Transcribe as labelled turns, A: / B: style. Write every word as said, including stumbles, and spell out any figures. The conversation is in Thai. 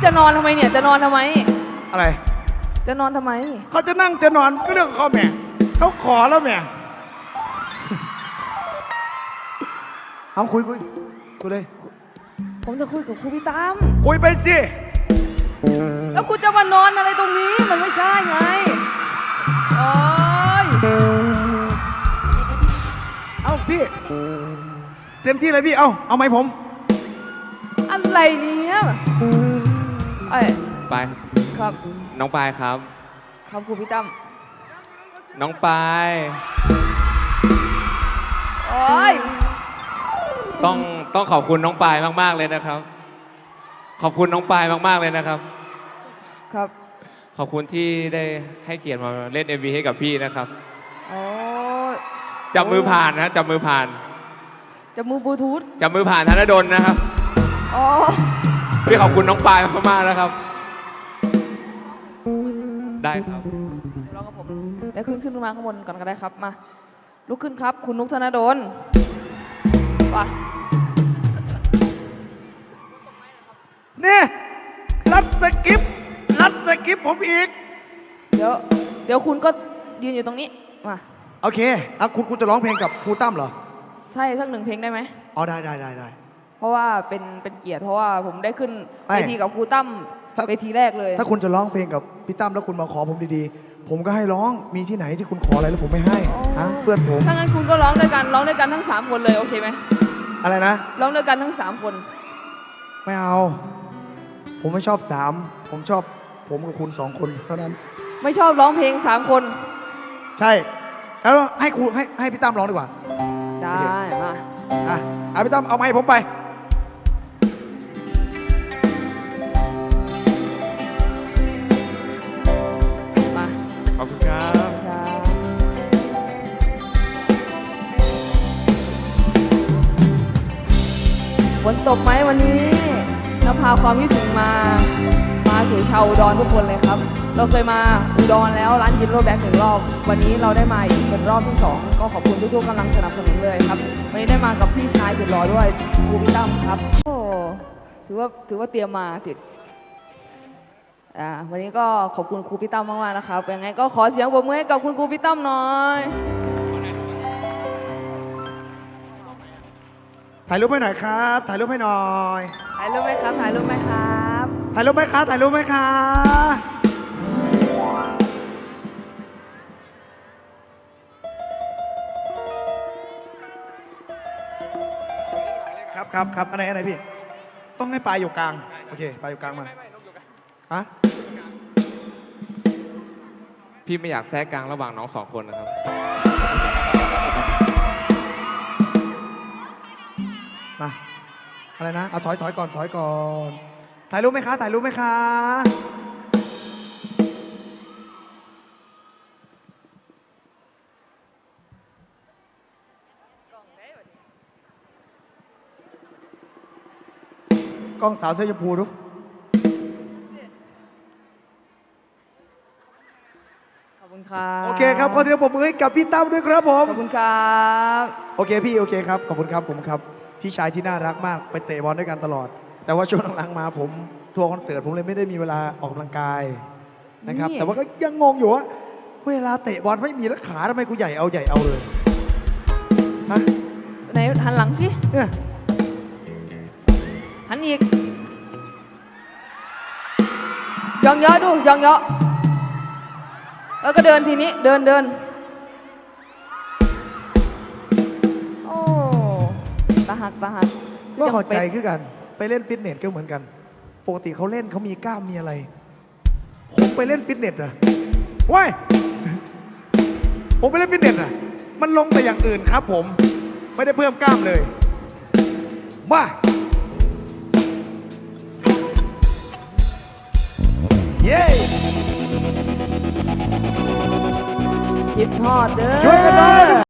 A: จะนอนทำไมเนี่ยจะนอนทำไม
B: อะไร
A: จะนอนทำไม
B: เขาจะนั่งจะนอนก็เรื่องของเขาแม่เขาขอแล้วแม่เอาคุยคุยคุยเลย
A: ผมจะคุยกับครูพี่ตั้ม
B: คุยไปสิ
A: แล้วคุณจะมานอนอะไรตรงนี้มันไม่ใช่ไงโอ้ย
B: เอาพี่เต็มที่เลยพี่เอาเอาไหมผม
A: อะไรเนี่ยเอ้ย
C: ปาย
A: ครับ
C: น้องปายครับ
A: ครับครูพี่ตั้ม
C: น้องปาย
A: โอ้ย
C: ต้องต้องขอบคุณน้องปายมากๆเลยนะครับขอบคุณน้องปายมากๆเลยนะครับ
A: ครับ
C: ขอบคุณที่ได้ให้เกียรติมาเล่น เอ็ม วี ให้กับพี่นะครับ
A: โอ้
C: จับมือผ่านนะจับมือผ่าน
A: จับมือบลูทูธ
C: จับมือผ่านธนดลนะครับ
A: อ๋อ
C: พี่ขอบคุณน้องปายมากๆนะครับได้ครับ
A: เดี๋ยวรอกับผมได้ขึ้นขึ้นมาข้างบนก่อนก็ได้ครับมาลุกขึ้นครับคุณนุกธนดลไป
B: นี่รัดสกิปรัดสกิปผมอีก
A: เดี๋ยวเดี๋ยวคุณก็ยืนอยู่ตรงนี้มา
B: โอเคอ่ะคุณคุณจะร้องเพลงกับครูตั้มเหรอ
A: ใช่สักหนึ่งเพลงได้ไหม
B: อ๋อได้ได้ได้ได้
A: เพราะว่าเป็นเป็นเกียรติเพราะว่าผมได้ขึ้นเวทีกับครูตั้มเวทีแรกเลย
B: ถ้าคุณจะร้องเพลงกับพี่ตั้มแล้วคุณมาขอผมดีๆผมก็ให้ร้องมีที่ไหนที่คุณขออะไรแล้วผมไม่ให้ฮะเพื่อนผม
A: ถ้างั้นคุณก็ร้องด้วยกันร้องด้วยกันทั้งสามคนเลยโอเคไหม
B: อะไรนะ
A: ร้องด้วยกันทั้งสามคน
B: ไม่เอาผมไม่ชอบสามผมชอบผมกับคุณสองคนเท่านั้น
A: ไม่ชอบร้องเพลงสามคน
B: ใช่แล้วให้ครูให้ให้พี่ตั้มร้องดีกว่า
A: ได้มา
B: อ่ะเอาพี่ตั้มเอาไมค์ผมไป
A: มา
C: ขอบคุณครับ
A: ฝนตกไหมวันนี้เราพาความคิดถึงมามาสู่ชาวอุดรทุกคนเลยครับเราเคยมาอุดรแล้วร้านยินโรแบ็กหนึ่งรอบวันนี้เราได้มาอีกเป็นรอบที่สองก็ขอบคุณทุกๆกำลังสนับสนุนเลยครับวันนี้ได้มากับพี่ชายสุดหล่อด้วยครูพี่ตั้มครับโอ้ถือว่าถือว่าเตรียมมาติดอ่าวันนี้ก็ขอบคุณครูพี่ตั้มมากๆนะครับยังไงก็ขอเสียงปรบมือให้กับคุณครูพี่ตั้มหน่อย
B: ถ่ายรูปให้หน่อยครับถ่ายรูปให้หน่อย
A: ถ่ายรูปไหมครับถ่ายรูปไหมครับ
B: ถ่ายรูปไหมครับถ่ายรูปไหมครับครับครับครับอันไหนอันไหนพี่ต้องให้ปลายอยู่กลางโอเคปลายอยู่กลางมาฮะ
C: พี่ไม่อยากแทรกกลางระหว่างน้องสองคนนะครับ
B: มาอะไรนะเอาถอยถอยก่อนถอยก่อนถ่ายรูปไหมคะถ่ายรูปไหมคะกล้องสาวเสื้อชมพูดู
A: ขอบคุณครับ
B: โอเคครับขอเสียงปรบมือให้กับพี่ตั้มด้วยครับผม
A: ขอบคุณครับ
B: โอเคพี่โอเคครับขอบคุณครับผมครับพี่ชายที่น่ารักมากไปเตะบอลด้วยกันตลอดแต่ว่าช่วงหลังๆมาผมทัวร์คอนเสิร์ตผมเลยไม่ได้มีเวลาออกกำลังกายนะครับแต่ว่าก็ยังงงอยู่ว่าเวลาเตะบอลไม่มีแล้วขาทำไมกูใหญ่เอาใหญ่เอาเลยฮะ
A: ไหนหันหลังสิ
B: เนี่ย
A: หันอีกยองเยอะดูยองเยอะแล้วก็เดินทีนี้เดินเดินโอ้ตาหักตาหัก
B: ก็เข้าใจคือกันไปเล่นฟิตเนสก็เหมือนกันปกติเขาเล่นเขามีกล้ามมีอะไรผมไปเล่นฟิตเนสอะว้ายผมไปเล่นฟิตเนสอะมันลงแต่อย่างอื่นครับผมไม่ได้เพิ่มกล้ามเลยมาเย้
A: คิดฮอดเด้อ
B: ช่วยกันหน่อย